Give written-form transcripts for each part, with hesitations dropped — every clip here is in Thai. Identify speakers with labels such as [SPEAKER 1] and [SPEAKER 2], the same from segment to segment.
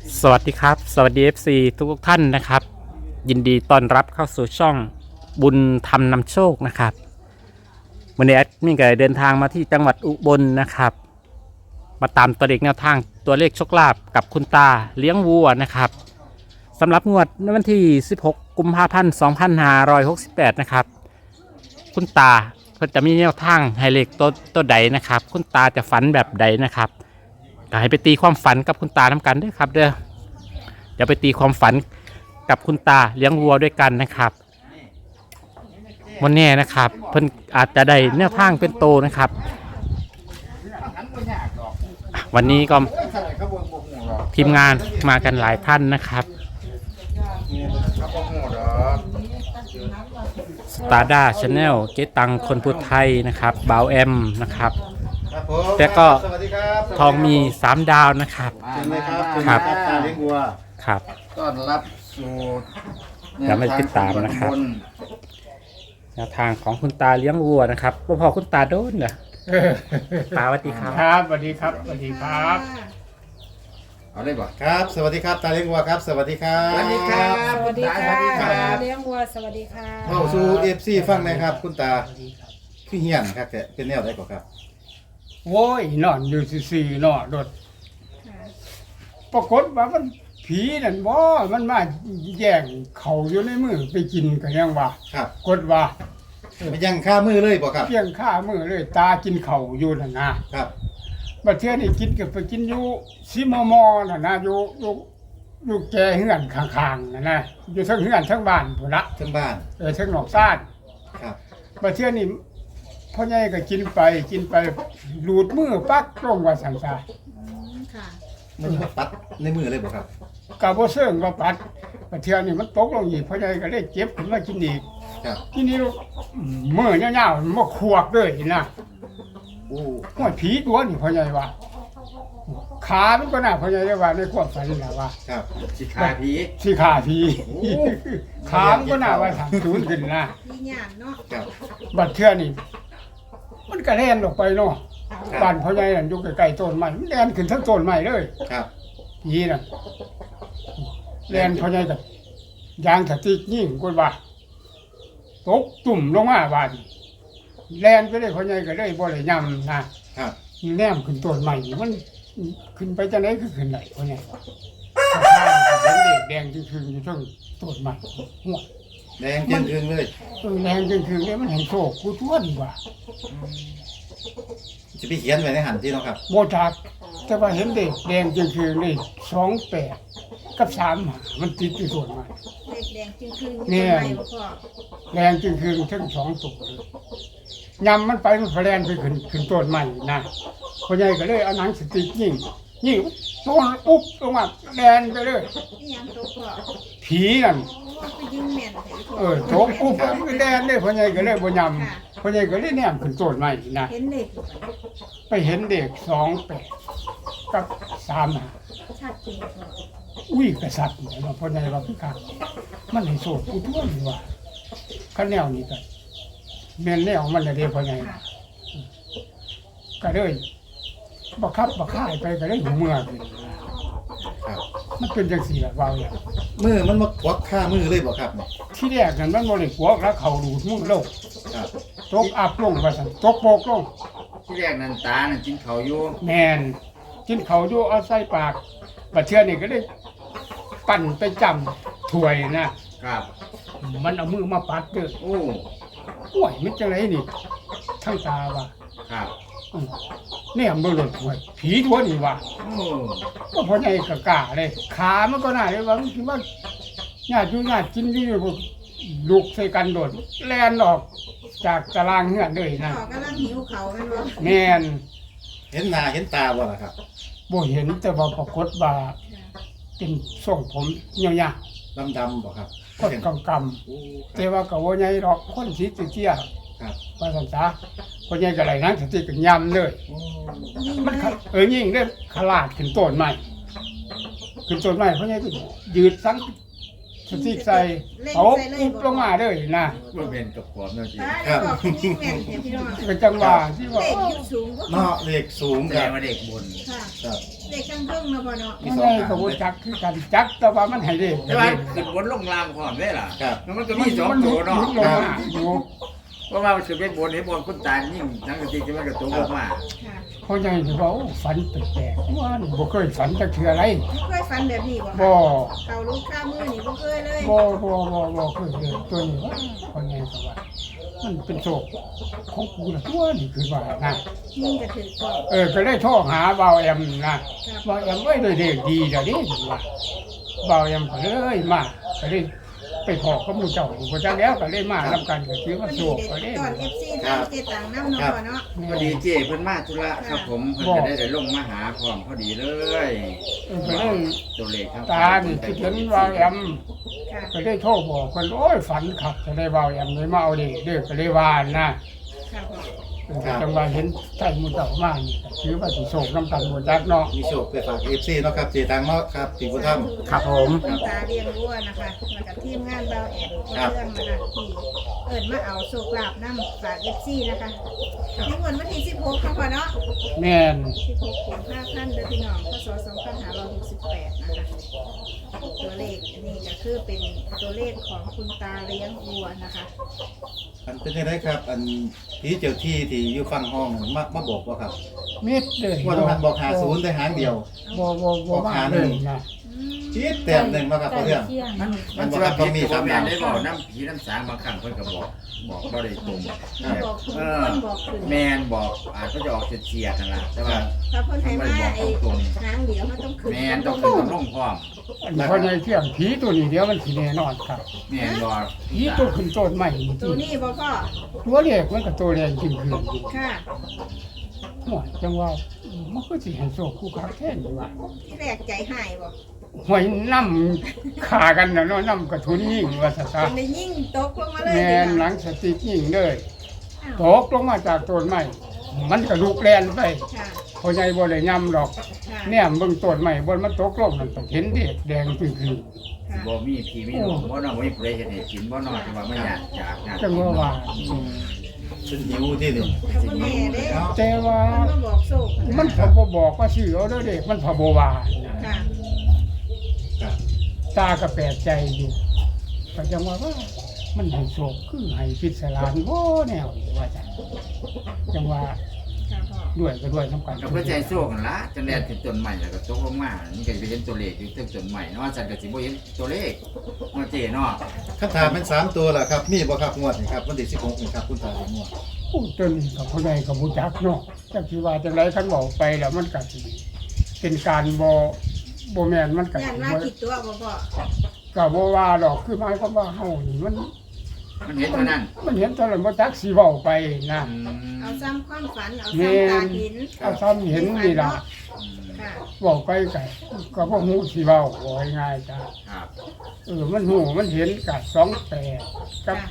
[SPEAKER 1] สวัสดีครับสวัสดี FC ทุกท่านนะครับยินดีต้อนรับเข้าสู่ช่องบุญธรรมนำโชคนะครับวันนี้แอดมินก็เดินทางมาที่จังหวัดอุบลนะครับมาตามตัวเลขแนวทางตัวเลขโชคลาภกับคุณตาเลี้ยงวัวนะครับสำหรับงวดในวันที่16กุมภาพันธ์2568นะครับคุณตาเพิ่นจะมีแนวทางให้เลขตัวใดนะครับคุณตาจะฝันแบบใดนะครับก็ให้ไปตีความฝันกับคุณตาทำกันด้วยครับเด้อเดี๋ยวไปตีความฝันกับคุณตาเลี้ยงวัวด้วยกันนะครับวันนี้นะครับเพิ่นอาจจะได้แนวทางเป็นโตนะครับวันนี้ก็ทีมงานมากันหลายท่านนะครับสตาร์ด้าชาแนลเจ๊ตังคนพูดไทยนะครับบาวแอมนะครับแล้วก็ทองมี3 ดาวนะครับครับ
[SPEAKER 2] เลี้ยงวัว
[SPEAKER 1] ครับ
[SPEAKER 2] ต้อนรับสู่
[SPEAKER 1] เดี๋ยวมาติดตามนะครับแนวทางของคุณตาเลี้ยงวัวนะครับพอคุณตาโดนเหรอตาสวัสดีครับ
[SPEAKER 3] ครับสวัสดีครับสวัสดีครับ
[SPEAKER 2] เอาเลยบ่ครับสวัสดีครับตาเลี้ยงวัวครับสวัสดีครับ
[SPEAKER 4] สวัสดีครับสวัสดีค่ะเลี้ยงวัวสวัสดีค่ะ
[SPEAKER 2] เข้าสู่FCฟังนะครับคุณตาคือเฮียนครับแกเป็นแนวไหนก่อนครับ
[SPEAKER 3] โว้ยนอนอยู่ซื่อๆนอนโดดปรากฏว่ามันผีนั่นบ่มันมาแย่งเขาอยู่ในมือไปกินกันยังว่า
[SPEAKER 2] ครับ
[SPEAKER 3] กดว่า
[SPEAKER 2] มันยังฆ่ามือเลยบ่ครับ
[SPEAKER 3] เพียงข้ามือเลยตากินเขาอยู่นั่นนะครับบัดเทื่อนี่กินก็ไปกินอยู่ซิมมนั่นนะอยู่แกเฮือนข้างๆนั่นนะอยู่ทั้งเฮือนทั้งบ้านพุ่นละ
[SPEAKER 2] ทั้งบ้าน
[SPEAKER 3] ทั้งนอกซ่าน
[SPEAKER 2] ครับ
[SPEAKER 3] บัดเทื่อนี่พ่อใหญ่ก็กินไปหลุดมือปักลงว่าสันซา
[SPEAKER 4] ค่ะ
[SPEAKER 2] มันปัดในมือเลยบ่ครับ
[SPEAKER 3] กะบ่เซิงว่าปัดบัดเทื่อนี่มันตกลงอีกพ่อใหญ่ก็เลยเจ็บขึ้นมากินอีก
[SPEAKER 2] ครับ
[SPEAKER 3] ทีนี้มือยาวๆมันมาขวกเลยนะ
[SPEAKER 2] โอ้
[SPEAKER 3] ห้อยผีตัวนี่พ่อใหญ่ว่าขามันก็น่าพ่อใหญ่ว่าในความฝันน่ะว่า
[SPEAKER 2] ครับสิขาผี
[SPEAKER 3] ขามันก็น่าว่าทำศูนย์ขึ้นนะ
[SPEAKER 4] พี่หยานเนาะ
[SPEAKER 2] ครับ
[SPEAKER 3] บัดเทื่อนี่มันก็แล่นออกไปเนาะบ้านพ่อใหญ่นั่นอยู่ใกล้ๆต้นไม้มันแล่นขึ้นทั้งต้นไม้เลย
[SPEAKER 2] ครับ
[SPEAKER 3] ผีน่ะแล่นพ่อใหญ่ก็ยางสติกยิ่งกว่าตกตุ่มลงมาบาดแล่นไปได้พ่อใหญ่ก็ได้บ่ได้ย่ำนะครับแนมขึ้นต้นใหม่มันขึ้นไปจังได๋คือขึ้นได้พ่อใหญ่เห็นเด็กแดงจึงๆอยู่ทั้งต้นใหม่หัว
[SPEAKER 2] แดงจึงๆเลย
[SPEAKER 3] แดงจึงๆเนี่ยมันเห็นโชคกูทวนว่า
[SPEAKER 2] จะไปเขียนไว้ในหันที่เนาะครับ
[SPEAKER 3] บ่จักแต่ว่าเห็นเด็กแดงจึงๆนี่28กับ3มันติดอยู่ต้นใหม่
[SPEAKER 4] เด็กแดงจึงคืนเนี่ย
[SPEAKER 3] แดงจึงทั้ง2ตัวเลยยำมันไปมันแลนไปขึ้นต้นใหม่นะพ่อใหญ่ก็เลยเอาหนังสติ๊กยิงต้นอุ๊บลงมาแลนไปเลย
[SPEAKER 4] นี่ยังตัวพ่อ
[SPEAKER 3] ผีนั่น
[SPEAKER 4] ไปยิงแม่น
[SPEAKER 3] โถอุ๊บแลนเลยพ่อใหญ่ก็เลยบ่ยำพ่อใหญ่ก็เลยแนมขึ้นต้นใหม่นะ
[SPEAKER 4] เห็นเด็ก
[SPEAKER 3] ไปเห็นเด็ก28กับ3
[SPEAKER 4] ชัดจริง
[SPEAKER 3] อุ้ยกษัตริย์เนี่ยพ่อใหญ่ว่าคือคักมันให้โชคกูทวนว่าคันแนวนี้ก็แม่นแนวมันน่ะเด้พ่อใหญ่ก็เลยบ่คับบ่ค่ายไปก็เลยหูเมื่อขึ้น
[SPEAKER 2] ครับ
[SPEAKER 3] มันเป็นจังซี่ล่ะว่าอย่าง
[SPEAKER 2] มือมันมาควักฆ่ามือเลยบ่ครับเนี่ย
[SPEAKER 3] ที่แรกนั่นมันบ่ได้กวกแล้วเขาดูดมือลง
[SPEAKER 2] ครับ
[SPEAKER 3] ตกอับลงว่าซั่นตกโปกลง
[SPEAKER 2] ที่แรกนั่นตานั่นกินข้าวอยู่
[SPEAKER 3] แม่นกินข้าวอยู่เอาใส่ปากบัดเทื่อนี่ก็เลยปั่นไปจำถ้วยนะครับมันเอามือมาปัดเด้อ
[SPEAKER 2] โอ้
[SPEAKER 3] ห่วยมันจังไดนี่ทั้งตาว่า
[SPEAKER 2] ครับ
[SPEAKER 3] เนี่ยมันหลุดห่วยผีทั่วนี่ว่าก็พอใหญ่กะกะเลยขามันก็น่าเลยว่ามันคิดว่าญาติอยู่ญาติกินอยู่ลูกใส่กันโดดแล่นออกจากตารางเฮือนเลยนะ
[SPEAKER 4] กำลังหิวเขาแม่นบ่
[SPEAKER 3] แม่น
[SPEAKER 2] เห็นหน้าเห็นตาบ่ล่ะครับ
[SPEAKER 3] บ่เห็นแต่ว่าปรากฏว่าเป็นทรงผมยาว
[SPEAKER 2] ๆดำๆบ่ครับ
[SPEAKER 3] คนกำๆแต่ว่าก็บ่ใหญ่ดอกคนสีเตี้ย
[SPEAKER 2] ครับ
[SPEAKER 3] ว่าซั่นซะพ่อใหญ่ก็ไหลนังสติกันยำเลยมันยิ่งได้ขลาดขึ้นต้นใหม่พ่อใหญ่ก็ยืดสังสติกใส่เอาปุ๊บลงมาเลยนะ
[SPEAKER 5] บ่เป็นกับกรอบเนาะจี
[SPEAKER 4] ตาได้บอกยิ่งแม่นเนี่ยพี่น้อง
[SPEAKER 3] เป็นจังหวะที่ว่า
[SPEAKER 4] เด็กอยู่สูงก็
[SPEAKER 2] เนาะเลขสูง
[SPEAKER 5] แส
[SPEAKER 2] ค
[SPEAKER 5] ด
[SPEAKER 2] รั
[SPEAKER 5] ง
[SPEAKER 2] บ
[SPEAKER 5] ว่าเด็กบน
[SPEAKER 4] ค่ะ
[SPEAKER 2] ครับ
[SPEAKER 4] เด็กข้างเพิ่งมาบ่เนาะ
[SPEAKER 2] มี
[SPEAKER 3] ไม่
[SPEAKER 2] สอง
[SPEAKER 3] ได้
[SPEAKER 2] หาง
[SPEAKER 3] กระบวนจักคือกันจักแต่ว่ามันให้เด็ก
[SPEAKER 5] แต่ว่าขึ้นบนลงล่างพร้อมได้ล่ะ
[SPEAKER 2] ครับ
[SPEAKER 5] แล้วมันก็มีสองตัวเนาะ
[SPEAKER 3] ลงมาอยู่
[SPEAKER 5] เพราะว่ามันคือเป็นบนเห็นบนคุณตายิ่งทั้งกะทิที่มันก็ตัวลงมา
[SPEAKER 4] ค่ะ
[SPEAKER 3] เขาใหญ่ที่ว่าฝันแปลกๆว่านี่บ่เคยฝันจักเทื่ออะไร
[SPEAKER 4] ไม่เคยฝันแบบนี้บ่
[SPEAKER 3] บ่
[SPEAKER 4] เก่าลูกข้ามือนี่บ่เคยเลย
[SPEAKER 3] บ่เคยเลยตัวนี้ว่าเขาใหญ่ก็ว่ามันเป็นโศกของกูละตัวนี่คือว่านะ
[SPEAKER 4] ยิ่งกระถือก็
[SPEAKER 3] ก็เลยโทรหาเบาแอมนะเบาแอมไว้โดยเด็กดีเดี๋ยวนี้ว่าเบาแอมก็เลยมาก็เลยไปขอข้อมูลเจ้าอยู่ก็จะแล้วก็เลยมาทำกันก็คือ
[SPEAKER 4] พ
[SPEAKER 3] ว่า
[SPEAKER 4] อ
[SPEAKER 3] โศ
[SPEAKER 4] ดี
[SPEAKER 3] กก็
[SPEAKER 4] เด็
[SPEAKER 3] เลย
[SPEAKER 4] กตอน FC ทางเจตังน้ำเนาะพ่อเนาะ
[SPEAKER 5] พอดีเจ้เพิ่นมาธุระครับผมเพิ่นก็ได้ลงมาหาพร้อมพอดีเลย
[SPEAKER 3] ก็เลย
[SPEAKER 5] ตัวเลขครับ
[SPEAKER 3] ตานี่คิดเห็นเบาแอม
[SPEAKER 4] ค่ะ
[SPEAKER 3] ก็เลยโทรบอกคนโอ้ยฝันขับจะได้เบาแอมเลยมาเอาเด็กเด็กก็เลยว่านะ
[SPEAKER 4] ค่ะพ่อ
[SPEAKER 3] จังหวะเห็นใจมุดเจ้ามานี่ก็ถือว่าสิโศกน้ำกันหมดจักเนาะ
[SPEAKER 2] มีโชคไปฝาก FC เนาะครับเจตังเนาะครับที่บุญธรรม
[SPEAKER 1] ครับผม
[SPEAKER 4] คุณตาเลี้ยงวัวนะคะมากับทีมงานเบาแอนเรื่องนะคะที่เอิญมาเอาโชคลาภน้ำฝาก FC นะคะในวันที่16ค่ะพ่อเนาะ
[SPEAKER 3] แม่น
[SPEAKER 4] 16กุมภาพันธ์เดือนพี่น้องพศ2568นะคะตัวเลขอันนี้ก็คือเป็นตัวเลขของคุณตาเลี้ยงวัวนะคะ
[SPEAKER 2] อันเป็นยังไงครับ อันผีเจ้าที่ที่อยู่ฝั่งห้องมาบอกว่าครับ
[SPEAKER 3] มิดเลย
[SPEAKER 2] ว่ามันบอก50ได้หางเดียว
[SPEAKER 3] บ่มาเลยนะ
[SPEAKER 2] คิดแต้มหนึงมาครับเพราะเรื่อง
[SPEAKER 5] มันสิว่าผีตัวแม่นได้บอกน้ำผีน้ำสางบางครั้งเพิ่นก็บอกบ่ได้ตรง
[SPEAKER 4] บอกคุณ
[SPEAKER 5] เออ
[SPEAKER 4] คนบอกคุณ
[SPEAKER 5] แม่นบอกอาจก็จะออกเฉียดๆนั่นล่ะแต่ว่า
[SPEAKER 4] ถ้าคนไทยมาไอ้นางเดี๋ยวมันต้องขึ้น
[SPEAKER 5] แม่นต้องขึ้นต้องลงพร้อม
[SPEAKER 3] อันนี้เขาในเที่ยงผีตัวนี้เดียวมันสิแน่นอนครับ
[SPEAKER 5] แม่นบอก
[SPEAKER 3] ผีตัวขึ้นต้นใหม่จ
[SPEAKER 4] ตั
[SPEAKER 3] ริ
[SPEAKER 4] ว
[SPEAKER 3] ง
[SPEAKER 4] นี้บ่พ่อ
[SPEAKER 3] ตัวเล็กมันก็ตัวแรงจริงคือ
[SPEAKER 4] ค่ะ
[SPEAKER 3] หัวจังว่ามันก็สิให้โชคคู่คักแท้นี่ว่า
[SPEAKER 4] ที่แรกใจหายบ่
[SPEAKER 3] หวยน้ำขากันน่ะเนาะน้ำกระทุนยิ่งว่าซะ
[SPEAKER 4] เป็นได้ยิ่งตกลงมาเลย
[SPEAKER 3] แม่นหลังสติกยิ่งเลยตกลงมาจากต้นไม้มันก็ลุกแล่นไป
[SPEAKER 4] ค่ะ
[SPEAKER 3] พอใหญ่บ่ได้ย่ำดอก
[SPEAKER 4] ค่ะ
[SPEAKER 3] เนี่ยเบิ่งต้นไม้บนมันตกลงนั่นก็เห็นเด็กแดงจึงคือ
[SPEAKER 4] ค่ะ
[SPEAKER 5] บ่มีผีมีหลงบ่น้องบ่มีผู้ใดเฮ็ดให้กินบ่น้องแต่ว่ามันอยากอยาก
[SPEAKER 3] จังว่า
[SPEAKER 2] เป็นหิวที่นี่
[SPEAKER 4] แต่บ่แน่เด้
[SPEAKER 2] เนาะ
[SPEAKER 3] แต่ว่า
[SPEAKER 4] มันมาบอกโชค
[SPEAKER 3] มันพอบ่บอกว่าชื่อเอาเด้อเด็กมันพอบ่ว่า
[SPEAKER 4] ค่ะ
[SPEAKER 2] ครับ
[SPEAKER 3] ตาก็แปลกใจอยู่ก็จังว่ามันให้โชคคือให้พิศารบ่แนวนี่ว่าจังจังว่า
[SPEAKER 4] ค่ะพ่อ
[SPEAKER 3] ด้วยก็ด้วยสำคัญ
[SPEAKER 5] ก็เพื่อใจโซ่กันละจังแลนถึงต้นใหม่แล้วก็ตกลงมานี่ก็จะเห็นตัวเลขอยู่ตึกต้นใหม่เนาะจันก็สิบ่เห็นตัวเลขมาเจเนาะ
[SPEAKER 2] คำถามเป็น3ตัวล่ะครับ มีบ่ครับงวดนี่ครับวันที่16นี่ครับคุณตาเป็นงวด
[SPEAKER 3] โอ้จนก็ผู้ใดก็บ่จักเนาะจักสิว่าจังไดคันเว้าไปแล้วมันก็สิเป็นการบ่แม่นมันก็
[SPEAKER 4] ย่านว่ากี่ตัวบ่พ่อ
[SPEAKER 3] ก็บ่ว่าดอกคือหมายความว่าเฮานี่มัน
[SPEAKER 5] มันเห็นเท่านั้น
[SPEAKER 3] มันเห็นตอนนั้นบ่จักสิเว้าไปนะ
[SPEAKER 4] เอาซ้ำความฝันเอาซ้ำตาหิน
[SPEAKER 3] เอาซ้ำเห็นนี่ล่ะ
[SPEAKER 4] ค่ะ
[SPEAKER 3] เว้าไปก็บ่ฮู้สิเว้าว่าง่ายๆจ้ะ
[SPEAKER 5] ครับ
[SPEAKER 3] มันฮู้มันเห็นกับ28กับ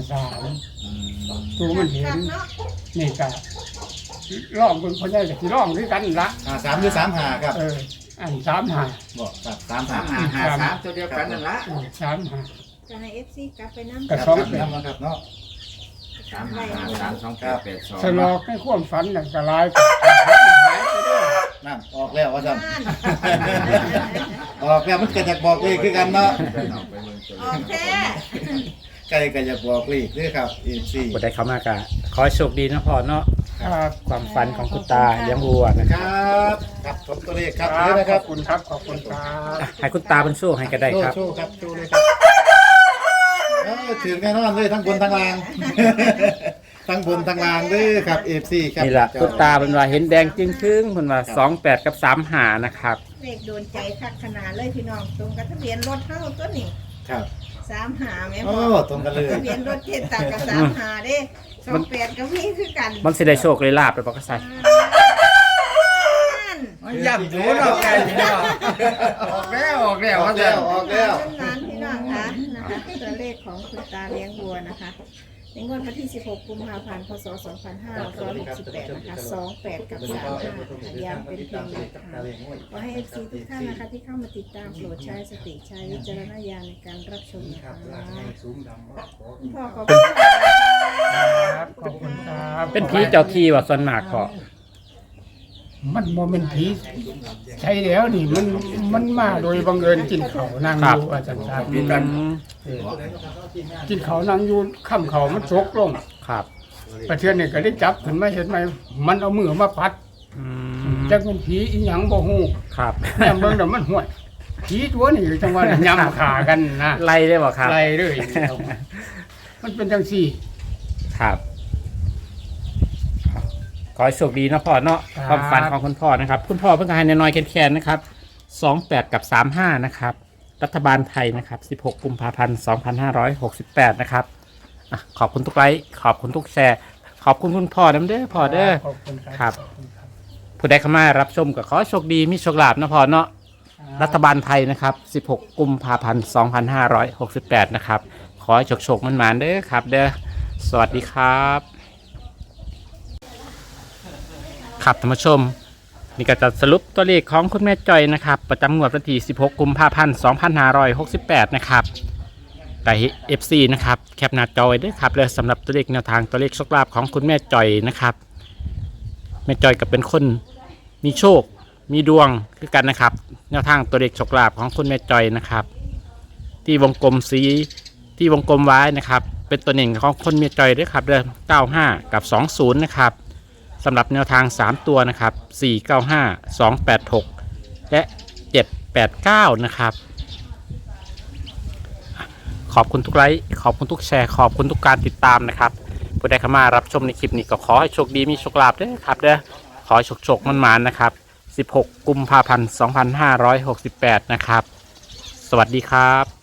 [SPEAKER 3] 53ตัวมันเห็น
[SPEAKER 4] เนาะ
[SPEAKER 3] นี่ก็ร้องเบิ่งพ่อใหญ่ก็สิร้องคือกันล่ะ
[SPEAKER 2] 53หรือ35ครับ
[SPEAKER 3] อัน35
[SPEAKER 2] บอกครับ
[SPEAKER 5] 3 ตัวเดียวกันนั่นละ
[SPEAKER 3] 35
[SPEAKER 4] จะให้ FC กลับไปนำ
[SPEAKER 3] ก็
[SPEAKER 2] 35
[SPEAKER 3] สอง
[SPEAKER 2] ครับนำครับเนาะ
[SPEAKER 5] 3
[SPEAKER 3] สลอกในความฝันนั่นก็หลายหายไปเด้อ
[SPEAKER 2] นั่นออกแล้วว่าซั่น ออกแล้วมันก็อยากบอกเลขคือกันเนาะ
[SPEAKER 4] ออกแท้
[SPEAKER 2] ไก่ก็อยากบอกเลขเด้อครับ FC
[SPEAKER 1] กดได้เข้ามากะขอให้โชคดีนะพ่อเนาะ
[SPEAKER 3] ครับ
[SPEAKER 1] ความฝันของคุณตาเลี้ยงวัวนะ
[SPEAKER 2] ค
[SPEAKER 1] ครับ
[SPEAKER 2] รับครับผมตัวเลขครับ
[SPEAKER 3] ครั
[SPEAKER 2] นี่
[SPEAKER 3] บ
[SPEAKER 2] นะ
[SPEAKER 3] ข
[SPEAKER 2] ครั
[SPEAKER 3] อ
[SPEAKER 2] บบ
[SPEAKER 3] คุณครับขอบคุณครับ
[SPEAKER 1] อ่ะให้คุณตาเป็นโชคให้ก็ได้ครับ
[SPEAKER 2] โชว์ครับโชว์เลยครับถึงแน่นอนเลยทั้งบนทั้งล่าง ทั้งบนทั้งล่างเด้อครับ FC ครับ
[SPEAKER 1] นี่แหละคุณตาเป็นว่าเห็นแดงจึงครึ่งเพิ่นว่า28กับ35นะครับ
[SPEAKER 4] เลขโดนใจคักขนาดเลยพี่น้องตรงกับทะเบียนรถเฮาตัวนี้
[SPEAKER 2] ครับ
[SPEAKER 4] 35แม่
[SPEAKER 2] โอ้
[SPEAKER 4] พ่อ
[SPEAKER 2] ตรงกันเลย
[SPEAKER 4] ทะเบียนรถเจ็ดตักกับ35เด้28กับพี่คือกัน
[SPEAKER 1] มันสิได้โชคได้ลาบไปบ่ก็ใส่
[SPEAKER 5] ย่ำดูเนาะไก่เนาะออกแล้ว
[SPEAKER 2] ออก
[SPEAKER 5] ว่า
[SPEAKER 2] แล้
[SPEAKER 5] จะ
[SPEAKER 2] วออกแล้ว
[SPEAKER 4] ร้านพี่น้องคะนะคะตัวเลขของคุณตาเลี้ยงวัวนะคะในงวดวันที่ 16 กุมภาพันธ์ พศ 2568 นะคะ 28 กับ 35ย้ำเป็นเพียงแนวทางขอให้ FC ทุกท่านนะคะที่เข้ามาติดตามโปรดใช้สติใช้วิจารณญาณในการรับชมนะคะคุณพ่อขอบคุณ
[SPEAKER 3] ครับขอบคุณครับ
[SPEAKER 1] เป็นผีเจ้าที่ว่าส่วนมากพอ
[SPEAKER 3] มันโมเป็นผีใช่แล้วนี่มันมาโดยบังเอิญกินเขาวนางอยู่อาจารย์ครับ
[SPEAKER 1] อืม
[SPEAKER 3] กินเขาวนางอยู่ข้ามเขามันซกลง
[SPEAKER 1] ครับ
[SPEAKER 3] ประเทือนนี่ก็ได้จับขึ้นมาเห็นไหมมันเอามือมาพัด
[SPEAKER 1] อืม
[SPEAKER 3] จักเป็นผีอีหยังบ่ฮู้
[SPEAKER 1] ครับ
[SPEAKER 3] แม่เบิ่งแล้วมันห่วยผีตัวนี่จังว่าย่ำขากันนะ
[SPEAKER 1] ไล่ได้บ่ครับ
[SPEAKER 3] ไล่เลยมันเป็นจังซี่
[SPEAKER 1] ครับขอให้โชคดีนะพ่อเนาะ
[SPEAKER 3] ครับ
[SPEAKER 1] ความฝันของคุณพ่อนะครับ คุณพ่อเพิ่งให้น้อยๆแคนๆนะครับ28กับ35นะครับรัฐบาลไทยนะครับ16กุมภาพันธ์2568นะครับอ่ะขอบคุณทุกไลค์ขอบคุณทุกแชร์ขอบคุณคุณพ่อน้ำเด้อพ่อเด้อ
[SPEAKER 3] ขอบคุณ
[SPEAKER 1] ครับ
[SPEAKER 3] ขอณครับ
[SPEAKER 1] ผู้ใดเข้ามารับชมก็ขอให้โชคดีมีโชคลาภนะพ่อเนาะรัฐบาลไทยนะครับ16กุมภาพันธ์2568นะครับขอให้โชคๆมันๆเด้อครับเด้อสวัสดีครับครับท่านผู้ชมนี่ก็จะสรุปตัวเลขของคุณแม่จอยนะครับประจำงวดวันที่16กุมภาพันธ์2568นะครับแต่ FC นะครับแคปหน้าจอยด้วยครับเลยสำหรับตัวเลขแนวทางตัวเลขโชคลาภของคุณแม่จอยนะครับแม่จอยก็เป็นคนมีโชคมีดวงคือกันนะครับแนวทางตัวเลขโชคลาภของคุณแม่จอยนะครับที่วงกลมสีที่วงกลมไว้นะครับเป็นตัวหนึ่งของคนแม่จอยด้วยครับเดือน95กับ20นะครับสำหรับแนวทาง3ตัวนะครับ495 286และ789นะครับขอบคุณทุกไลค์ขอบคุณทุกแชร์ขอบคุณทุกการติดตามนะครับผู้ใดเข้ามารับชมในคลิปนี้ก็ขอให้โชคดีมีโชคลาภด้วยครับเด้อขอให้โชคมันๆนะครับ16กุมภาพันธ์2568นะครับสวัสดีครับ